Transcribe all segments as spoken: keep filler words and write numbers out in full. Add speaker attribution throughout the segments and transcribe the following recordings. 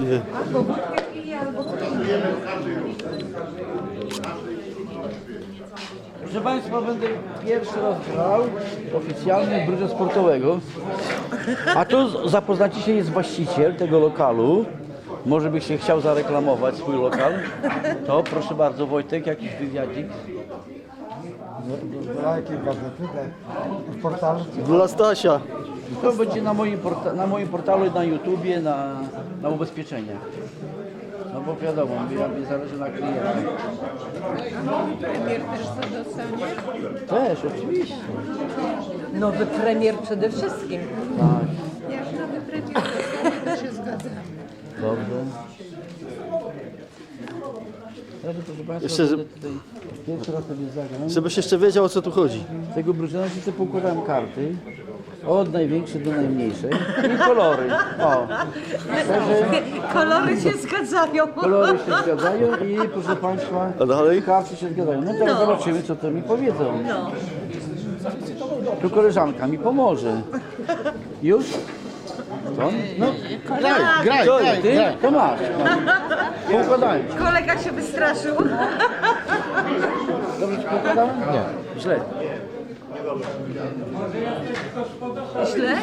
Speaker 1: pije.
Speaker 2: Albo wódkę pije, albo
Speaker 3: Proszę Państwa, będę pierwszy raz grał oficjalnie w brudze sportowego. A tu zapoznacie się, jest właściciel tego lokalu. Może by się chciał zareklamować swój lokal. To proszę bardzo, Wojtek, jakiś wywiadzik.
Speaker 4: Dla jakiej gazety? W portalu?
Speaker 1: Dla Stasia.
Speaker 3: To będzie na moim, porta na moim portalu, na YouTubie, na, na ubezpieczeniach. No bo wiadomo, mi, mi zależy na klientach.
Speaker 2: premier też co dostanie.
Speaker 3: Też, oczywiście.
Speaker 2: Nowy premier przede wszystkim.
Speaker 3: Tak,
Speaker 2: Jak nowy premier dostanie, to się zgadzamy.
Speaker 3: dobrze. Także, proszę Państwa,
Speaker 1: Jeszcze, że-
Speaker 3: będę tutaj pierwszy raz sobie zagram.
Speaker 1: Żebyś jeszcze wiedział, o co tu chodzi.
Speaker 3: Z tego brużena się sobie poukładałem karty. Od największej do najmniejszej. I kolory. O. Także
Speaker 2: Kolory się zgadzają.
Speaker 3: kolory się zgadzają i proszę Państwa,
Speaker 1: A dalej?
Speaker 3: karty się zgadzają. No teraz zobaczymy, co to mi powiedzą.
Speaker 2: No.
Speaker 3: Tu koleżanka mi pomoże. Już? To? No,
Speaker 4: Graj, graj,
Speaker 3: to,
Speaker 4: graj,
Speaker 3: ty?
Speaker 4: graj.
Speaker 3: To masz. Poukładałem.
Speaker 2: Kolega się wystraszył.
Speaker 3: Dobrze ci poukładałem? Nie. Źle.
Speaker 2: Źle?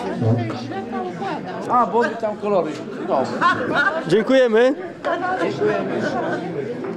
Speaker 3: A, bo mi tam kolory. Dobrze.
Speaker 1: Dziękujemy.
Speaker 3: Dziękujemy.